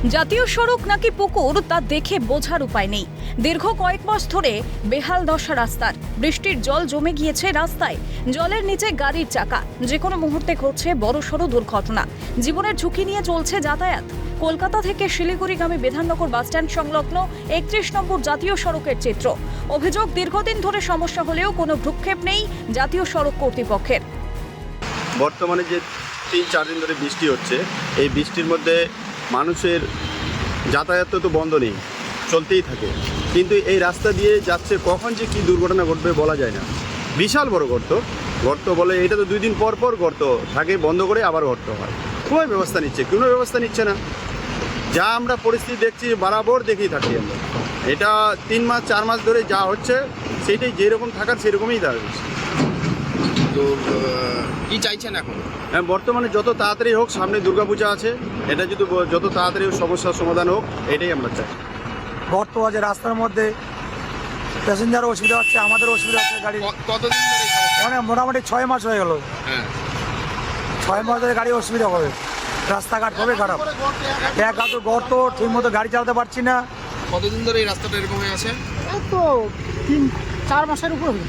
জাতীয় সড়ক নাকি পুকুর তা দেখে বোঝার উপায় নেই। দীর্ঘ কয়েক মাস ধরে বেহাল দশা রাস্তার। বৃষ্টির জল জমে গিয়েছে রাস্তায়, জলের নিচে গাড়ির চাকা। যে কোনো মুহূর্তে ঘটছে বড়সড় দুর্ঘটনা। জীবনের ঝুঁকি নিয়ে চলছে যাতায়াত। কলকাতা থেকে শিলিগুড়িগামী বিধাননগর বাসস্ট্যান্ড সংলগ্ন 31 নম্বর জাতীয় সড়কের চিত্র। অভিযোগ, দীর্ঘদিন ধরে সমস্যা হলেও কোনো ভ্রুক্ষেপ নেই জাতীয় সড়ক কর্তৃপক্ষের। বর্তমানে যে 3-4 দিন ধরে বৃষ্টি হচ্ছে, এই বৃষ্টির মধ্যে মানুষের যাতায়াত তো বন্ধ নেই, চলতেই থাকে। কিন্তু এই রাস্তা দিয়ে যাচ্ছে, কখন যে কী দুর্ঘটনা ঘটবে বলা যায় না। বিশাল বড় গর্ত বলে, এটা তো 2 দিন পর পর গর্ত থাকে, বন্ধ করে আবার গর্ত হয়। কোনো ব্যবস্থা নিচ্ছে না। যা আমরা পরিস্থিতি দেখছি বরাবর দেখেই থাকি আমরা। এটা 3-4 মাস ধরে যা হচ্ছে সেইটাই যেরকম থাকার সেরকমই দাঁড়াচ্ছে। তো কি চাইছেন এখন? হ্যাঁ, বর্তমানে যত তাড়াতাড়ি হোক, সামনে দুর্গাপূজা আছে, এটা যদি যত তাড়াতাড়ি সমস্যার সমাধান হোক, এটাই আমরা চাই। গর্ত আছে রাস্তার মধ্যে, প্যাসেঞ্জারও অসুবিধা হচ্ছে, আমাদেরও অসুবিধা হচ্ছে গাড়ি। কতদিন ধরে এই সমস্যা? মানে মোটামুটি 6 মাস হয়ে গেল। হ্যাঁ, 6 মাস ধরে গাড়ি অসুবিধা হবে, রাস্তাঘাট হবে খারাপ। এক হাতে গর্ত, ঠিক মতো গাড়ি চালাতে পারছি না। কতদিন ধরে এই রাস্তাটা এরকম হয়ে আছে? এই তো 3-4 মাসের উপর হলো।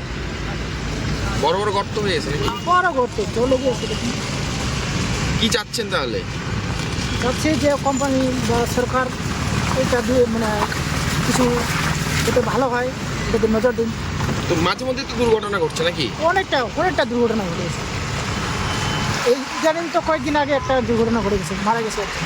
বড় বড় গর্ত হয়ে গেছে নাকি? বড় করতে চলে গিয়েছে দেখুন। কি চাচ্ছেন তাহলে? ভাবছি যে কোম্পানি বা সরকার এটা দিয়ে মানে কিছু যাতে ভালো হয়, এটাতে নজর দিন। তো মাঝে মধ্যে তো দুর্ঘটনা ঘটছে নাকি? অনেকটা দুর্ঘটনা ঘটে গেছে। এই জানেন তো, কয়েকদিন আগে একটা দুর্ঘটনা ঘটে গেছে, মারা গেছে একটা।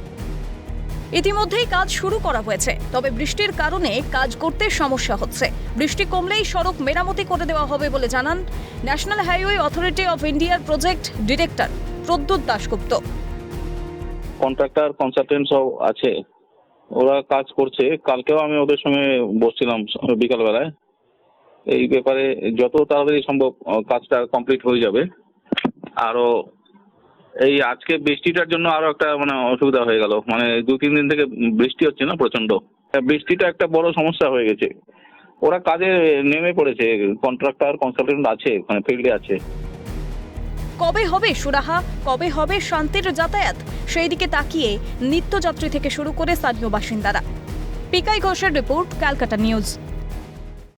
ইতিমধ্যেই কাজ শুরু করা হয়েছে, তবে বৃষ্টির কারণে কাজ করতে সমস্যা হচ্ছে। বৃষ্টি কমলেই সড়ক মেরামতি করে দেওয়া হবে বলে জানান ন্যাশনাল হাইওয়ে অথরিটি অফ ইন্ডিয়ার project director Pradyut Dasgupta. Contractor consultant সব আছে, ওরা কাজ করছে। কালকেও আমি ওদের সঙ্গে বসছিলাম বিকালবেলায়। এই ব্যাপারে যত তাড়াতাড়ি সম্ভব কাজটা কমপ্লিট হয়ে যাবে। আরও এই আজকে বৃষ্টিটার জন্য আরো একটা অসুবিধা হয়ে গেল। 2-3 দিন থেকে বৃষ্টি হচ্ছে না, প্রচন্ড বৃষ্টিটা একটা বড় সমস্যা হয়ে গেছে। ওরা কাজে নেমে পড়েছে, কন্ট্রাক্টর কনসালটেন্ট আছে, ফিল্ডে আছে। কবে হবে সুরাহা, কবে হবে শান্তির যাতায়াত, সেই দিকে তাকিয়ে নিত্যযাত্রী থেকে শুরু করে স্থানীয় বাসিন্দারা। পিকাই ঘোষের রিপোর্ট, ক্যালকাটা নিউজ।